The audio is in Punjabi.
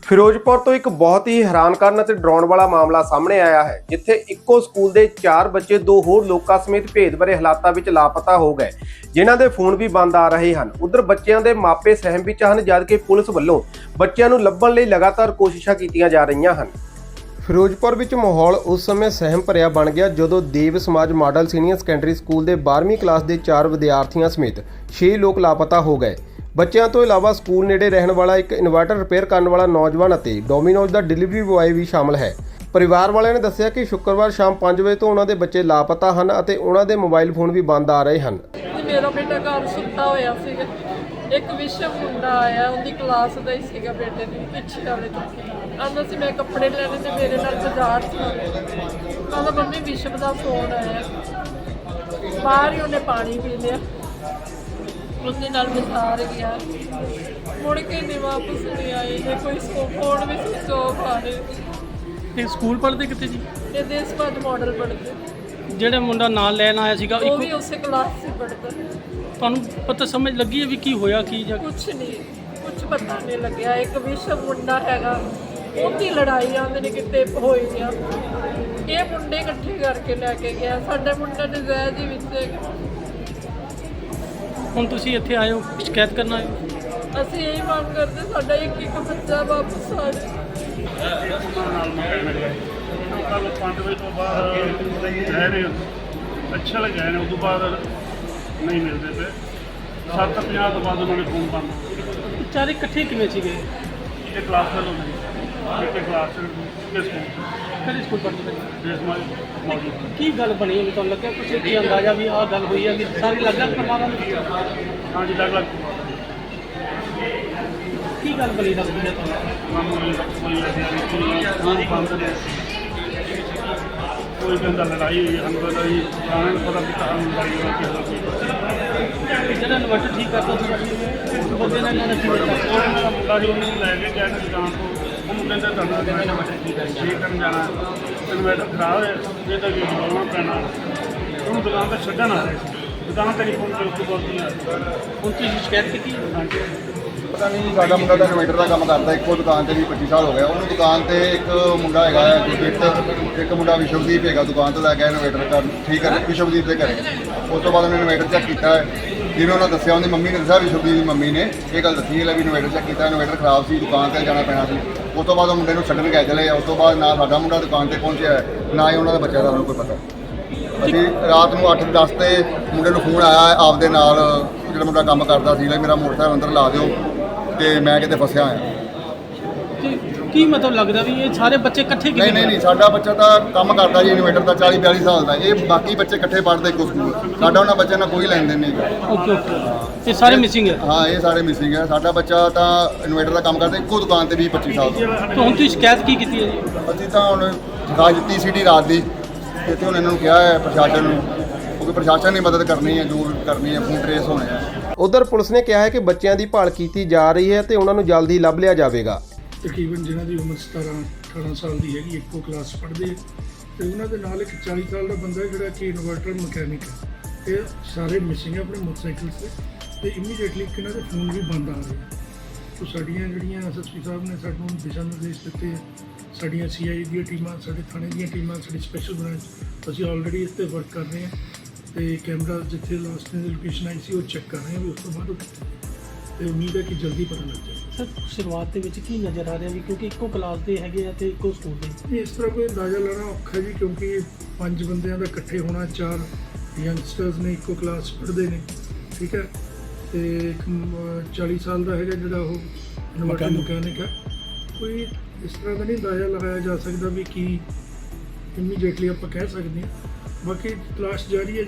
ਫਿਰੋਜ਼ਪੁਰ ਤੋਂ ਇੱਕ ਬਹੁਤ ਹੀ ਹੈਰਾਨ ਕਰਨ ਅਤੇ ਡਰਾਉਣ ਵਾਲਾ ਮਾਮਲਾ ਸਾਹਮਣੇ ਆਇਆ ਹੈ, ਜਿੱਥੇ ਇੱਕੋ ਸਕੂਲ ਦੇ 4 ਬੱਚੇ 2 ਹੋਰ ਲੋਕਾਂ ਸਮੇਤ ਭੇਦ ਭਰੇ ਹਾਲਾਤਾਂ ਵਿੱਚ ਲਾਪਤਾ ਹੋ ਗਏ, ਜਿਨ੍ਹਾਂ ਦੇ ਫੋਨ ਵੀ ਬੰਦ ਆ ਰਹੇ ਹਨ। ਉਧਰ ਬੱਚਿਆਂ ਦੇ ਮਾਪੇ ਸਹਿਮ ਵਿੱਚ ਹਨ, ਜਦਕਿ ਪੁਲਿਸ ਵੱਲੋਂ ਬੱਚਿਆਂ ਨੂੰ ਲੱਭਣ ਲਈ ਲਗਾਤਾਰ ਕੋਸ਼ਿਸ਼ਾਂ ਕੀਤੀਆਂ ਜਾ ਰਹੀਆਂ ਹਨ। ਫਿਰੋਜ਼ਪੁਰ ਵਿੱਚ ਮਾਹੌਲ ਉਸ ਸਮੇਂ ਸਹਿਮ ਭਰਿਆ ਬਣ ਗਿਆ ਜਦੋਂ ਦੇਵ ਸਮਾਜ ਮਾਡਲ ਸੀਨੀਅਰ ਸੈਕੰਡਰੀ ਸਕੂਲ ਦੇ 12ਵੀਂ ਕਲਾਸ ਦੇ 4 ਵਿਦਿਆਰਥੀਆਂ ਸਮੇਤ 6 ਲੋਕ ਲਾਪਤਾ ਹੋ ਗਏ। ਬੱਚਿਆਂ ਤੋਂ ਇਲਾਵਾ ਸਕੂਲ ਨੇੜੇ ਰਹਿਣ ਵਾਲਾ ਇੱਕ ਇਨਵਰਟਰ ਰਿਪੇਅਰ ਕਰਨ ਵਾਲਾ ਨੌਜਵਾਨ ਅਤੇ ਡੋਮੀਨੋਜ਼ ਦਾ ਡਿਲੀਵਰੀ ਬੁਆਏ ਵੀ ਸ਼ਾਮਲ ਹੈ। ਪਰਿਵਾਰ ਵਾਲਿਆਂ ਨੇ ਦੱਸਿਆ ਕਿ ਸ਼ੁੱਕਰਵਾਰ ਸ਼ਾਮ 5 ਵਜੇ ਤੋਂ ਉਹਨਾਂ ਦੇ ਬੱਚੇ ਲਾਪਤਾ ਹਨ ਅਤੇ ਉਹਨਾਂ ਦੇ ਮੋਬਾਈਲ ਫੋਨ ਵੀ ਬੰਦ ਆ ਰਹੇ ਹਨ। ਮੇਰਾ ਬੇਟਾ ਘਰ ਸੁੱਤਾ ਹੋਇਆ ਸੀਗਾ। ਇੱਕ ਵਿਸ਼ਵ ਮੁੰਡਾ ਆਇਆ, ਉਹਦੀ ਕਲਾਸ ਦਾ ਹੀ ਸੀਗਾ ਬੇਟੇ ਦੀ, ਪਿੱਛੇ ਵਾਲੇ ਤੋਂ ਆਉਂਦਾ ਸੀ। ਮੈਂ ਕੱਪੜੇ ਲੈਣੇ ਤੇ ਮੇਰੇ ਨਾਲ ਬਾਜ਼ਾਰ ਸੀ। ਕਹਿੰਦਾ ਮੰਮੀ ਵਿਸ਼ਵ ਦਾ ਫੋਨ ਆਇਆ। ਬਾਹਰ ਹੀ ਉਹਨੇ ਪਾਣੀ ਪੀ ਲਿਆ, उसके नाल बाजार गया, मुड़ के नहीं वापस नहीं आए। ये कोई फोन भी स्विच ऑफ आ रहे। ਇਹ ਸਕੂਲ ਪੜ੍ਹਦੇ ਕਿੱਥੇ ਜੀ? ये देश बाद मॉडल पढ़ते, ਜਿਹੜਾ ਮੁੰਡਾ ਨਾਲ ਲੈਣ ਆਇਆ ਸੀਗਾ वो भी उसी क्लास से पढ़ता। ਤੁਹਾਨੂੰ ਪਤਾ ਸਮਝ ਲੱਗੀ ਹੈ ਵੀ ਕੀ ਹੋਇਆ ਕੀ ਜਾਂ कुछ नहीं, कुछ पता नहीं लग्या। एक विश्व मुंडा हैगा, उनकी लड़ाई आंदे ने किते होई आ। ये मुंडे इकट्ठे करके लेके गया, साडे मुंडे ने ज़ायद ही विच। ਹੁਣ ਤੁਸੀਂ ਇੱਥੇ ਆਏ ਹੋ ਸ਼ਿਕਾਇਤ ਕਰਨ ਆਏ ਹੋ? ਅਸੀਂ ਇਹ ਮੰਗ ਕਰਦੇ ਸਾਡਾ ਇੱਕ ਬੱਚਾ ਵਾਪਸ ਆ ਜਾਏ। ਕੱਲ 5 ਵਜੇ ਤੋਂ ਬਾਅਦ ਰਹਿ ਰਹੇ ਅੱਛਾ ਲੱਗਿਆ ਨੇ, ਉਸ ਤੋਂ ਬਾਅਦ ਨਹੀਂ ਮਿਲਦੇ ਪਏ। 7:50 ਤੋਂ ਬਾਅਦ ਉਹਨਾਂ ਨੇ ਫੋਨ ਬੰਦ। ਵਿਚਾਰੇ ਇਕੱਠੇ ਕਿਵੇਂ ਸੀਗੇ? ਇਹ ਕਲਾਸ ਵੱਲੋਂ ਨਹੀਂ, ਇੱਕ ਕਲਾਸ ਦੇ ਸਕੂਲ ਕਿਹੜੇ ਸਕੂਲ ਪੜ੍ਹਦੇ ਨੇ? ਦੇਸ਼ ਮੌਜੂਦ। ਕੀ ਗੱਲ ਬਣੀ ਹੈ? ਤੁਹਾਨੂੰ ਲੱਗਿਆ ਕੁਛ ਕੀ ਅੰਦਾਜ਼ਾ ਵੀ ਆਹ ਗੱਲ ਹੋਈ ਹੈ ਕਿ ਸਾਰੇ ਲੱਗਾ ਪਰਿਵਾਰਾਂ ਨੂੰ? ਹਾਂਜੀ, ਅਲੱਗ-ਅਲੱਗ ਕੀ ਗੱਲ ਬਣੀ ਲੱਗਦੀ ਹੈ ਤੁਹਾਨੂੰ? ਕੋਈ ਕਹਿੰਦਾ ਲੜਾਈ ਹੋਈ, ਸਾਨੂੰ ਪਤਾ ਜੀ ਸਾਰਿਆਂ ਨੂੰ ਪਤਾ ਵੀ ਕਹਾਂ ਲੜਾਈ ਹੋਈ। ਜਿਹੜਾ ਇਨਵਰਟਰ ਠੀਕ ਕਰਦਾ ਸੀ ਉਸ ਬੰਦੇ ਨੇ ਇਹਨਾਂ ਨੇ ਕੀ ਕੀਤਾ? ਉਹਨਾਂ ਦਾ ਮੁੰਡਾ ਸੀ, ਉਹਨੂੰ ਲੈ ਕੇ ਗਿਆ ਦੁਕਾਨ ਤੋਂ। ਉਹਨੂੰ ਕਹਿੰਦਾ ਤੁਹਾਨੂੰ ਇਨਵਰਟਰ ਠੀਕ ਕਰਨ ਜਾਣਾ, ਇਨਵਰਟਰ ਖਰਾਬ ਹੈ, ਇਹ ਤਾਂ ਵੀ ਬਦਲਾਉਣਾ ਪੈਣਾ। ਉਹਨੂੰ ਦੁਕਾਨ ਤੇ ਛੱਡਣ ਆ ਰਹੇ ਸੀ, ਦੁਕਾਨ ਤੇ ਨਹੀਂ ਪਹੁੰਚੇ। ਉਸ ਤੋਂ ਬਾਅਦ ਹੁਣ ਤੁਸੀਂ ਸ਼ਿਕਾਇਤ ਕੀਤੀ? ਹਾਂਜੀ, ਪਤਾ ਨਹੀਂ, ਸਾਡਾ ਮੁੰਡਾ ਤਾਂ ਇਨਵੇਟਰ ਦਾ ਕੰਮ ਕਰਦਾ, ਇੱਕੋ ਦੁਕਾਨ ਤੇ ਵੀ 25 ਸਾਲ ਹੋ ਗਿਆ ਉਹਨੂੰ। ਦੁਕਾਨ ਤੇ ਇੱਕ ਮੁੰਡਾ ਹੈਗਾ ਗੁਰਦੀਪ, ਇੱਕ ਮੁੰਡਾ ਵਿਸ਼ਵਦੀਪ ਹੈਗਾ, ਦੁਕਾਨ ਤੋਂ ਲੈ ਕੇ ਇਨਵੇਟਰ ਕਰ ਠੀਕ ਹੈ ਵਿਸ਼ਵਦੀਪ ਦੇ ਘਰੇ। ਉਸ ਤੋਂ ਬਾਅਦ ਉਹਨੇ ਇਨਵੇਟਰ ਚੈੱਕ ਕੀਤਾ ਹੈ, ਜਿਵੇਂ ਉਹਨਾਂ ਦੱਸਿਆ, ਉਹਦੀ ਮੰਮੀ ਨੇ ਦੱਸਿਆ, ਵਿਸ਼ਵਦੀਪ ਦੀ ਮੰਮੀ ਨੇ ਇਹ ਗੱਲ ਦੱਸੀ ਹੈ ਵੀ ਇਨਵੇਟਰ ਚੈੱਕ ਕੀਤਾ, ਇਨਵੇਟਰ ਖਰਾਬ ਸੀ, ਦੁਕਾਨ ਤੇ ਜਾਣਾ ਪੈਣਾ ਸੀ। ਉਸ ਤੋਂ ਬਾਅਦ ਉਹ ਮੁੰਡੇ ਨੂੰ ਛੱਡਣ ਗਏ ਚਲੇ। ਉਸ ਤੋਂ ਬਾਅਦ ਨਾ ਸਾਡਾ ਮੁੰਡਾ ਦੁਕਾਨ ਤੇ ਪਹੁੰਚਿਆ ਨਾ ਹੀ ਉਹਨਾਂ ਦਾ ਬੱਚਾ ਦਾ ਉਹਨੂੰ ਕੋਈ ਪਤਾ। ਅਸੀਂ ਰਾਤ ਨੂੰ 8:10 ਤੇ ਮੁੰਡੇ ਨੂੰ ਫੋਨ ਆਇਆ ਆਪਦੇ ਨਾਲ, ਜਿਹੜਾ ਮੁੰਡਾ ਕੰਮ ਕਰਦਾ ਸੀ, ਮੇਰਾ ਮੋਟਰਸਾਈਕਲ ਅੰਦਰ ਲਾ ਦਿਓ ਤੇ ਮੈਂ ਕਿਤੇ ਫਸਿਆ ਹੋਇਆ। ਕੀ ਮਤਲਬ ਲੱਗਦਾ ਵੀ ਇਹ ਸਾਰੇ ਬੱਚੇ ਇਕੱਠੇ ਕਿਵੇਂ? ਨਹੀਂ, ਸਾਡਾ ਬੱਚਾ ਤਾਂ ਕੰਮ ਕਰਦਾ ਜੀ ਇਨਵੇਟਰ ਦਾ, 40-42 ਸਾਲ ਦਾ। ਇਹ ਬਾਕੀ ਬੱਚੇ ਇਕੱਠੇ ਪੜ੍ਹਦੇ ਇੱਕੋ ਸਕੂਲ। ਸਾਡਾ ਉਹਨਾਂ ਬੱਚਿਆਂ ਨਾਲ ਕੋਈ ਲੈਣ ਦੇਣ ਨਹੀਂ ਹੈਗਾ। ਓਕੇ। ਇਹ ਸਾਰੇ ਮਿਸਿੰਗ ਹੈ? ਹਾਂ, ਇਹ ਸਾਰੇ ਮਿਸਿੰਗ ਹੈ। ਸਾਡਾ ਬੱਚਾ ਤਾਂ ਇਨਵੇਟਰ ਦਾ ਕੰਮ ਕਰਦਾ ਇੱਕੋ ਦੁਕਾਨ ਤੇ 20-25 ਸਾਲ ਦਾ। ਤਾਂ ਹੁਣ ਤੁਸੀਂ ਸ਼ਿਕਾਇਤ ਕੀ ਕੀਤੀ ਹੈ ਜੀ? ਅਸੀਂ ਤਾਂ ਹੁਣ ਦਿਖਾ ਦਿੱਤੀ ਸੀਟੀ ਰਾਤ ਦੀ, ਇੱਥੇ ਹੁਣ ਇਹਨਾਂ ਨੂੰ ਕਿਹਾ ਹੈ ਪ੍ਰਸ਼ਾਸਨ ਨੂੰ, ਕਿਉਂਕਿ ਪ੍ਰਸ਼ਾਸਨ ਨੇ ਮਦਦ ਕਰਨੀ ਹੈ, ਜੋ ਕਰਨੀ ਹੈ, ਫੋਨ ਟਰੇਸ ਹੋਣੇ ਆ। ਉਧਰ ਪੁਲਿਸ ਨੇ ਕਿਹਾ ਹੈ ਕਿ ਬੱਚਿਆਂ ਦੀ ਭਾਲ ਕੀਤੀ ਜਾ ਰਹੀ ਹੈ ਤੇ ਉਹਨਾਂ ਨੂੰ ਜਲਦੀ ਲੱਭ ਲਿਆ ਜਾਵੇਗਾ। ਤਕਰੀਬਨ ਜਿਨ੍ਹਾਂ ਦੀ ਉਮਰ 17-18 ਸਾਲ ਦੀ ਹੈਗੀ, ਇੱਕੋ ਕਲਾਸ ਪੜ੍ਹਦੇ ਤੇ ਉਹਨਾਂ ਦੇ ਨਾਲ ਇੱਕ 40 ਸਾਲ ਦਾ ਬੰਦਾ ਜਿਹੜਾ ਕਿ ਇਨਵਰਟਰ ਮਕੈਨਿਕ ਹੈ। ਇਹ ਸਾਰੇ ਮਿਸਿੰਗ ਹੈ ਆਪਣੇ ਮੋਟਰਸਾਈਕਲ ਤੇ ਇਮੀਡੀਏਟਲੀ ਇਹਨਾਂ ਦੇ ਫੋਨ ਵੀ ਬੰਦ ਆ ਰਹੇ। ਸੋ ਸਾਡੀਆਂ ਜਿਹੜੀਆਂ ਐਸਐਸਪੀ ਸਾਹਿਬ ਨੇ ਸਾਨੂੰ ਦਿਸ਼ਾ ਨਿਰਦੇਸ਼ ਦਿੱਤੇ, ਸਾਡੀਆਂ ਸੀਆਈ ਦੀਆਂ ਟੀਮਾਂ, ਸਾਡੇ ਥਾਣੇ ਦੀਆਂ ਟੀਮਾਂ, ਸਾਡੀ ਸਪੈਸ਼ਲ ਬ੍ਰਾਂਚ, ਅਸੀਂ ਆਲਰੇਡੀ ਇਸ 'ਤੇ ਵਰਕ ਕਰ ਰਹੇ ਹਾਂ ਤੇ ਕੈਮਰਾ ਜਿੱਥੇ ਲਾਸਟ ਦੀ ਲੋਕੇਸ਼ਨ ਆਈ ਸੀ ਉਹ ਚੈੱਕ ਕਰ ਰਹੇ ਹਾਂ ਵੀ ਉਸ ਤੋਂ ਬਾਅਦ ਤੇ ਉਮੀਦ ਹੈ ਕਿ ਜਲਦੀ ਪਤਾ ਲੱਗ ਜਾਏ। ਸਰ, ਸ਼ੁਰੂਆਤ ਦੇ ਵਿੱਚ ਕੀ ਨਜ਼ਰ ਆ ਰਿਹਾ ਵੀ ਕਿਉਂਕਿ ਇੱਕੋ ਕਲਾਸ ਦੇ ਹੈਗੇ ਆ ਤੇ ਇੱਕੋ ਸਕੂਲ ਦੇ? ਇਸ ਤਰ੍ਹਾਂ ਕੋਈ ਅੰਦਾਜ਼ਾ ਲਾਉਣਾ ਔਖਾ ਜੀ, ਕਿਉਂਕਿ 5 ਬੰਦਿਆਂ ਦਾ ਇਕੱਠੇ ਹੋਣਾ, 4 ਯੰਗਸਟਰਸ ਨੇ, ਇੱਕੋ ਕਲਾਸ ਪੜ੍ਹਦੇ ਨੇ, ਠੀਕ ਹੈ। ਤੇ ਇੱਕ 40 ਸਾਲ ਦਾ ਹੈਗਾ ਜਿਹੜਾ ਉਹ ਇਨਵਰਟਰ ਮਕੈਨਿਕ ਹੈ। ਕੋਈ ਇਸ ਤਰ੍ਹਾਂ ਦਾ ਨਹੀਂ ਅੰਦਾਜ਼ਾ ਲਗਾਇਆ ਜਾ ਸਕਦਾ ਵੀ ਕੀ ਇਮੀਡੀਏਟਲੀ ਆਪਾਂ ਕਹਿ ਸਕਦੇ ਹਾਂ। ਬਾਕੀ ਤਲਾਸ਼ ਜਾਰੀ ਹੈ।